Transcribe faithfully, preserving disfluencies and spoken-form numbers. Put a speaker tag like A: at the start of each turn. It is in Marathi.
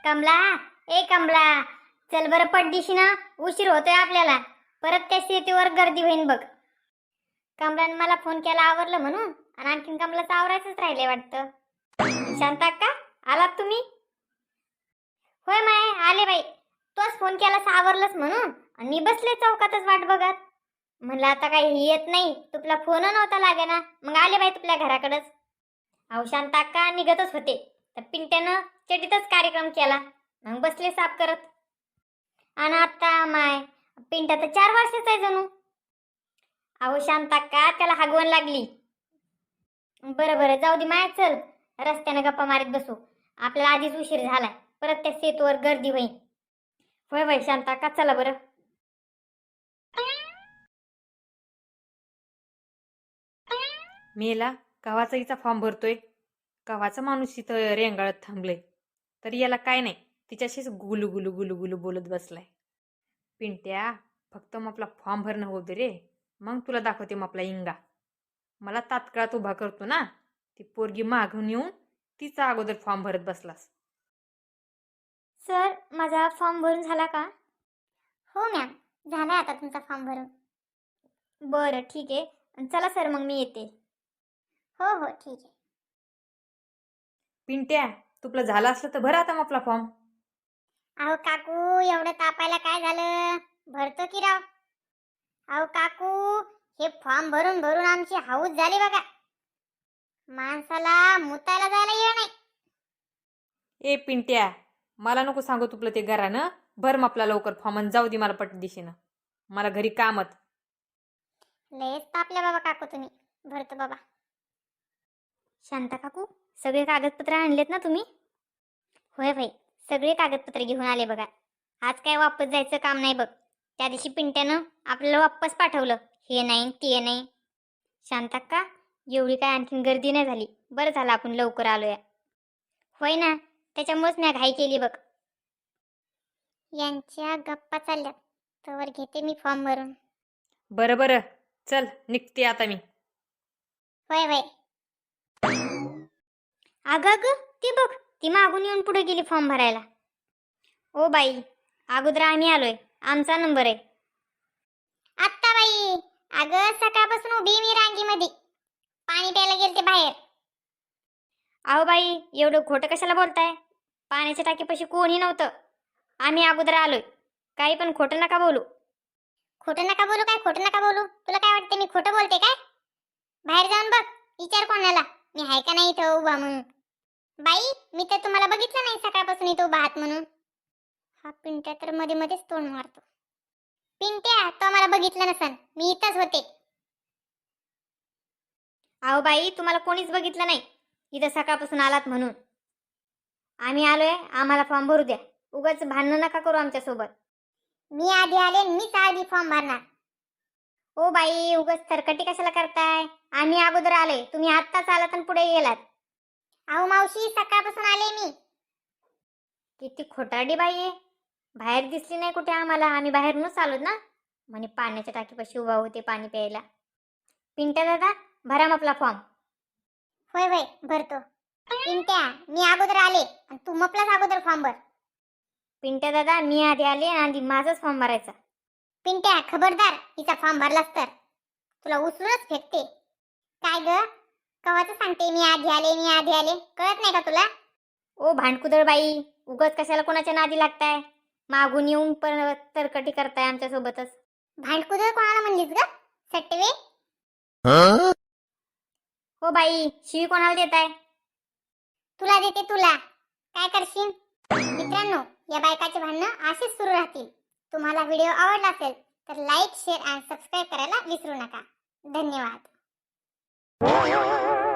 A: कमला, ए कमला, चल बरं पटदिशी ना, उशीर होतोय आपल्याला. परत त्या शेतीवर गर्दी होईन बघ. कमलाने मला फोन केला आवरलं म्हणून, आणि आणखीन कमलाचं आवरायचंच राहिले वाटतं. शांता अक्का, आलात तुम्ही? होय माय, आले बाई. तोच फोन केलास आवरलंच म्हणून, आणि मी बसले चौकातच वाट बघत. म्हणलं आता काही येत नाही, तुला फोन नव्हता लागे ना, मग आले बाई तुझ्या घराकडंच. अहो शांता अक्का, निघतच होते तर पिंट्यानं चटीतच कार्यक्रम केला, मग बसले साफ करत. आणि आता माय, पिंट्या तर चार वर्षाचा आहे जणू. अहो शांता अक्का, त्याला हागवण लागली. बरं बरं जाऊ दे माय, चल रस्त्याने गप्पा मारीत बसू. आपल्याला आधीच उशीर झालाय, परत त्या सेतूवर गर्दी होईल. होय होय शांता अक्का, चला बरं.
B: मेला कवाचा हिचा फॉर्म भरतोय, कवाचा माणूस इथं रेंगाळत थांबलंय, तरी याला काय नाही, तिच्याशीच गुलू गुलू गुलू गुलू बोलत बसलाय. पिंट्या, फक्त मग आपला फॉर्म भरणं होऊ दे रे, मग तुला दाखवते मग आपला इंगा. मला तात्काळात उभा करतो ना, ती पोरगी मागून येऊन तिचा अगोदर फॉर्म भरत बसलास.
A: सर, माझा फॉर्म भरून झाला का? हो मॅम, झाला आता तुमचा फॉर्म भरून. बरं ठीक आहे, चला सर मग मी येते. हो हो ठीक आहे.
B: पिंट्या, तुला झालं असलं तर भर आता मग आपला फॉर्म.
A: अहो काकू, एवढं तापायला काय झालं, भरतो की राव. अहो काकू, हे फॉर्म भरून भरून आमची हाऊस झाली बघा. माणसाला मुतायला जायला येणार नाही.
B: ए पिंट्या, मला नको सांगू तुला ते घरानं, भर मग आपला लवकर फॉर्म आणि जाऊ दे मला पट दिशेनं, मला घरी कामत.
A: लयच तापल्या बाबा काकू तुम्ही, भरतो बाबा. शांता काकू, सगळे कागदपत्र आणलेत ना तुम्ही? होय भाई, सगळे कागदपत्र घेऊन आले बघा. आज काय वापस जायचं काम नाही बघ. त्या दिवशी पिंट्यानं आपल्याला वापस पाठवलं, हे नाही ते नाही. शांताक्का, एवढी काय आणखीन गर्दी नाही झाली, बरं झालं आपण लवकर आलोया. होय ना, त्याच्यामुळेच मी घाई केली बघ. यांच्या गप्पा चालल्यात, तवर घेते मी फॉर्म भरून.
B: बरं बरं, चल निघते आता मी.
A: होय होय. अगं अगं, ती बघ, ती मागून येऊन पुढे गेली फॉर्म भरायला. ओ बाई, अगोदर आम्ही आलोय, आमचा नंबर आहे. आत्ता बाई, अगं सकाळपासून उभी मी रांगीमध्ये, पाणी प्यायला गेलते बाहेर. अहो बाई, एवढं खोटं कशाला बोलताय? पाण्याच्या टाकीपाशी कोणी नव्हतं, आम्ही अगोदर आलोय. काही पण खोटं नका बोलू. खोटं नका बोलू काय, खोटं नका बोलू? तुला काय वाटतं मी खोटं बोलते काय? बाहेर जाऊन बघ, विचार कोणाला मी आहे का नाही इथं उभा म्हणून. बाई, मी तर तुम्हाला बघितलं नाही सकाळपासून इथं उभा आहात म्हणून. हा पिंट्या तर मध्ये मध्येच तोंड मारतो. पिंट्या, तो मला बघितलं नसन, मी इथंच होते. अहो बाई, तुम्हाला कोणीच बघितलं नाही इथं सकाळपासून आलात म्हणून. आम्ही आलोय, आम्हाला फॉर्म भरू द्या. उगाच भांडण नका करू आमच्या सोबत. मी आधी आले, मीच आधी फॉर्म भरणार. ओ बाई, उगाच तरकटी कशाला करताय? आम्ही अगोदर आले, तुम्ही आत्ताच आलात आणि पुढे गेलात. अहो मावशी, सकाळपासून आले मी. किती खोटारडी बाई आहे, बाहेर दिसली नाही कुठे आम्हाला, आम्ही बाहेरूनच आलो ना. म्हणे पाण्याच्या टाकीपाशी उभा होते पाणी प्यायला. पिंट्या दादा, भरा मग आपला फॉर्म. होय होय, भरतो. पिंट्या, मी अगोदर आले आणि तू मपलाच अगोदर फॉर्म भर. पिंट्या दादा, मी आधी आले आणि आधी माझाच फॉर्म भरायचा. पिंट्या, खबरदार, हिचा फॉर्म भरलास तर तुला उचलूनच फेकते. काय ग, कवाचं सांगते मी आधी आले, मी आधी आले, कळत नाही का तुला? ओ भांडकुदळ बाई, उगाच कशाला कोणाच्या नादी लागताय? मागून येऊन परत तरकटी करताय आमच्या सोबतच. भांडकुदळ कोणाला म्हणलीस ग, सटवे? हो बाई, शिवी कोणाला देताय? तुला देते, तुला. काय करशील? मित्रांनो, या बायकाचे भांडणं असेच सुरू राहतील. तुम्हाला व्हिडिओ आवडला असेल तर लाईक, शेअर आणि सबस्क्राईब करायला विसरू नका. धन्यवाद.